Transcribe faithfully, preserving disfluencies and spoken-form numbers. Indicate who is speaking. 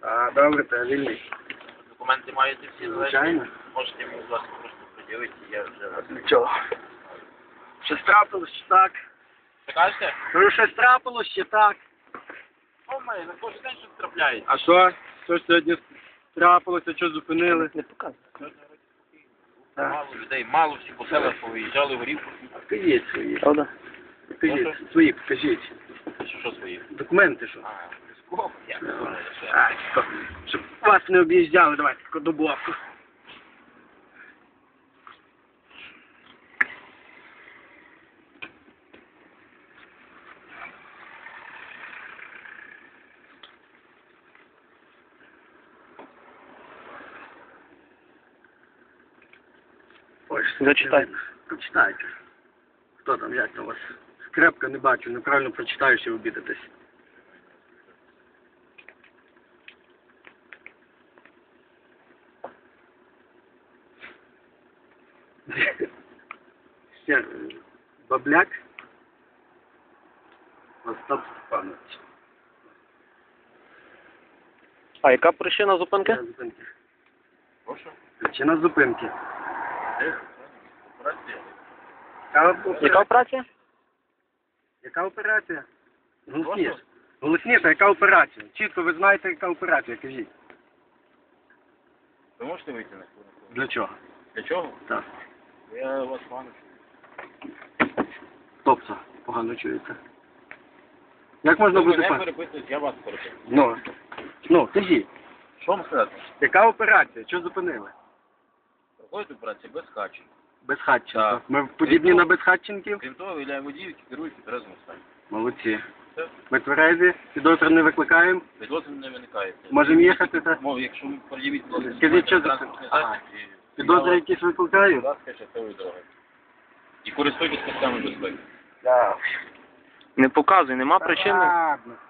Speaker 1: А, добре, то я вільний.
Speaker 2: Документи маєте всі
Speaker 1: Звичайно.
Speaker 2: залежні? Можете мені, будь ласка, просто приділити, я вже вас...
Speaker 1: Нічого. Щось трапилось, чи так?
Speaker 2: Що кажете?
Speaker 1: Кажу, щось трапилось, чи так?
Speaker 2: О, має, на кожен день щось трапляється.
Speaker 1: А що? Що ж сьогодні трапилося, що зупинили?
Speaker 3: Не показуй.
Speaker 1: Так.
Speaker 2: Мало людей, мало всі по селах повиїжджали в горівку.
Speaker 1: Покажіть свої.
Speaker 3: Правда?
Speaker 1: Покажіть. Свої, покажіть.
Speaker 2: Що, що свої?
Speaker 1: Документи, що?
Speaker 2: А, скоп, я не знаю, що.
Speaker 1: А, що? Щоб вас не об'їжджали, давайте таку добавку. Ой, що
Speaker 3: Зачитай.
Speaker 1: це? Прочитайте. Хто там, як там у вас? Скрепка не бачу, неправильно прочитаю, що обідатись. Ще, е, Бабляк. Остап Степанович.
Speaker 3: А яка причина зупинки?
Speaker 1: Причина зупинки.
Speaker 2: Прошу?
Speaker 1: Причина зупинки.
Speaker 2: Де? Операція?
Speaker 1: Яка операція?
Speaker 3: Яка операція?
Speaker 1: Яка операція? Голосніше. Голосніше, яка операція? Чітко ви знаєте, яка операція, кажіть.
Speaker 2: Ви можете вийти на хвилинку?
Speaker 1: Для чого?
Speaker 2: Для чого?
Speaker 1: Так.
Speaker 2: Я вас пану.
Speaker 1: Тобто, погано чується. Як можна
Speaker 2: Ви
Speaker 1: буде
Speaker 2: мене
Speaker 1: пан?
Speaker 2: переписуєте, я вас переписую.
Speaker 1: Ну, ну, кажіть.
Speaker 2: Що вам сказати?
Speaker 1: Яка операція? Що зупинили?
Speaker 2: Проходить операція без хачі.
Speaker 1: Безхатченко.
Speaker 2: Так.
Speaker 1: Ми подібні на безхатченків?
Speaker 2: Крім того, виявляє водіїв, які керують у тверезому стані.
Speaker 1: Молодці.
Speaker 2: Все.
Speaker 1: Ми тверезі, підозри не викликаємо.
Speaker 2: Підозри не виникає.
Speaker 1: Можемо їхати, так?
Speaker 2: Мов, якщо ви пред'явіть підозри,
Speaker 1: Скажіть, що за-
Speaker 2: транспортний
Speaker 1: Ага.
Speaker 2: засіб, і-
Speaker 1: Підозри якісь викликають?
Speaker 2: Будь ласка, щасливої дороги. І користуйтесь пасками безпеки.
Speaker 1: Так.
Speaker 3: Не показуй, нема причини.
Speaker 1: Ладно.